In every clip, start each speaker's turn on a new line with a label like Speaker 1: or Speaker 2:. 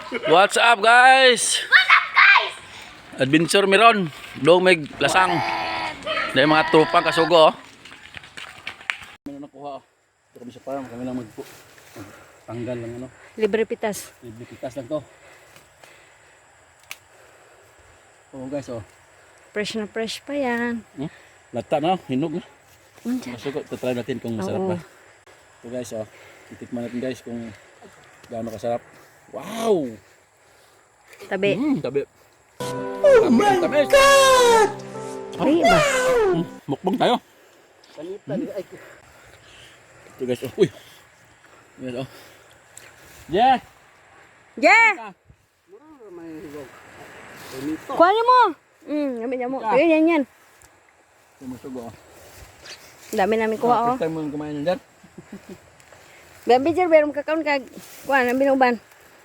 Speaker 1: What's up guys? Adventure meron. Dong may lasang. Dahil mga tropang kasugo. Meron nakuha. Ito kami sa farm. Kami lang tanggal lang ano.
Speaker 2: Libre pitas.
Speaker 1: Libre pitas lang to. Oh guys oh.
Speaker 2: Fresh na fresh pa yan.
Speaker 1: Lata na. Hinog na.
Speaker 2: Unsa?
Speaker 1: Masuko. Try natin kung masarap
Speaker 2: Oo.
Speaker 1: ba. Ito guys oh. Titikman natin guys kung gaano kasarap. Wow!
Speaker 2: Tabi.
Speaker 1: Tabi. Oh my God!
Speaker 2: Ay ba?
Speaker 1: Mukbang tayo. Ito guys, oh. Uy. Guys, oh. Yeah!
Speaker 2: Yeah! Kuha niyo mo! Gamit niya mo. Kaya yan.
Speaker 1: Ito masugo, oh.
Speaker 2: Ang dami namin kuha, oh.
Speaker 1: First time mo kumain yan dyan.
Speaker 2: Gabi, Jer, meron kakaon kag kuha ng binuban.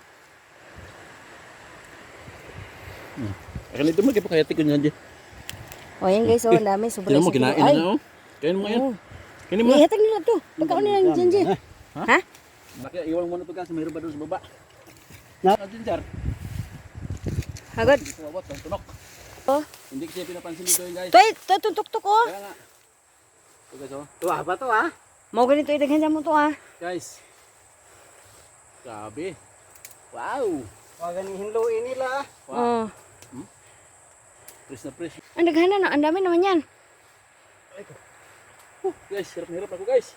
Speaker 1: Akan ito mo, kaya pa kaya tikon yan dyan.
Speaker 2: O, yan guys, oh. Ang dami. Sobrang
Speaker 1: Tinan mo, kinain
Speaker 2: Ay!
Speaker 1: na, oh. Kain mo yan.
Speaker 2: Oo.
Speaker 1: Kainin mo.
Speaker 2: Ihatag nila to. Pagkaon nila ng Jenji. Ha?
Speaker 1: Bakit iwan mo na ito kasi mayroon ba doon sa baba? Natin, Jar.
Speaker 2: Hagod.
Speaker 1: Kuwawat, ang tunok.
Speaker 2: Oh.
Speaker 1: Hindi kasi pinapansin dito yun, guys.
Speaker 2: Ito, tutok-tuk, oh.
Speaker 1: Kaya nga. Ito guys, oh.
Speaker 3: Tuwa ba to ha?
Speaker 2: Mau ganito, idaghan dyan mo to, ah.
Speaker 1: Guys. Grabe. Wow.
Speaker 3: Huwag ganing hinluin nila.
Speaker 2: Oh.
Speaker 1: Fresh na fresh.
Speaker 2: Ang daghan na. Ang dami naman yan.
Speaker 1: Guys, hirap na hirap ako, guys.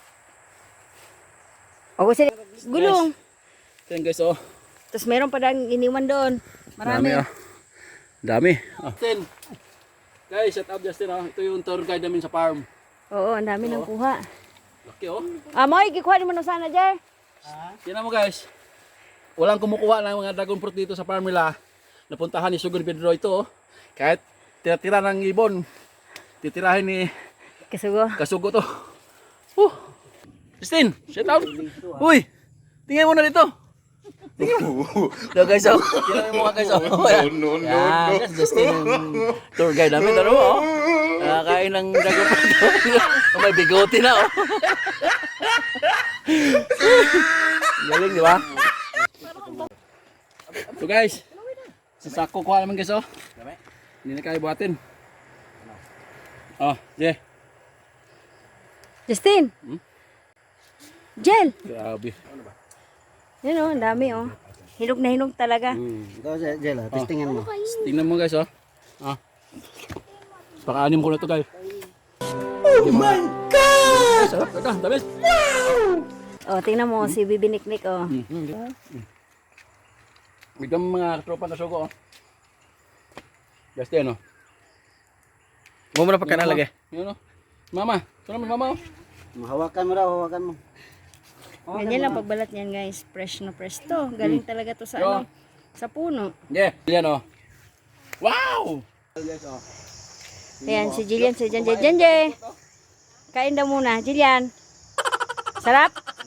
Speaker 2: O, sila. Gulong.
Speaker 1: Ayan guys, oh.
Speaker 2: Tapos meron pa dang iniwan doon. Marami.
Speaker 1: Dami, oh. Dami. Oh. Justin. Guys, shout out Justin, oh. Ito yung tour guide namin sa farm.
Speaker 2: Oo, ang dami nang kuha.
Speaker 1: Laki, oh.
Speaker 2: Moy, kikuha mo na sana, Jer.
Speaker 1: Tingnan mo, guys. Walang kumukuha ng mga dragon fruit dito sa farm nila. Napuntahan ni Sugod Pedro ito, oh. Kahit tira-tira ng ibon, titirahin ni
Speaker 2: Kasugo.
Speaker 1: Kasugo to. Justin, shout out. Uy, tingnan mo na dito. Tingnan mo. Ito guys, oh. Tingnan mo mga guys, oh. No. Yan, Justin, yung tour guide namin. Ano mo, oh. Nakakain ng dragon fruit. May bigote na, oh. Galing, di ba? So guys, sa sako kuha naman guys, oh. Hindi na kaya buhatin. Oh, yeah.
Speaker 2: Justin. Jel.
Speaker 1: Grabe.
Speaker 2: Yan, oh, ang dami, oh. Hinog na hinog talaga.
Speaker 3: Ikaw, Jela, testingan mo.
Speaker 1: Tingnan mo guys, oh. Ah. Paka-anim ko na to guys. Oh my God! Sarap ito, tamis.
Speaker 2: Oh, tingnan mo, si Bibiniknik, oh.
Speaker 1: Bigyan mga tropang kasugo, oh. Justin, oh. Huwag mo na pagkanalagay. Yun, oh. Mama, ito naman mama, oh.
Speaker 3: Hawakan mo raw, hawakan mo.
Speaker 2: Ganyan lang pagbalat niyan, guys. Fresh na fresh to. Galing talaga to sa, ano, sa puno.
Speaker 1: Yeah, yan, oh. Wow! Guys, oh.
Speaker 2: Ayan, si Jillian, si Jenje. Kain daw muna, Jillian. Sarap?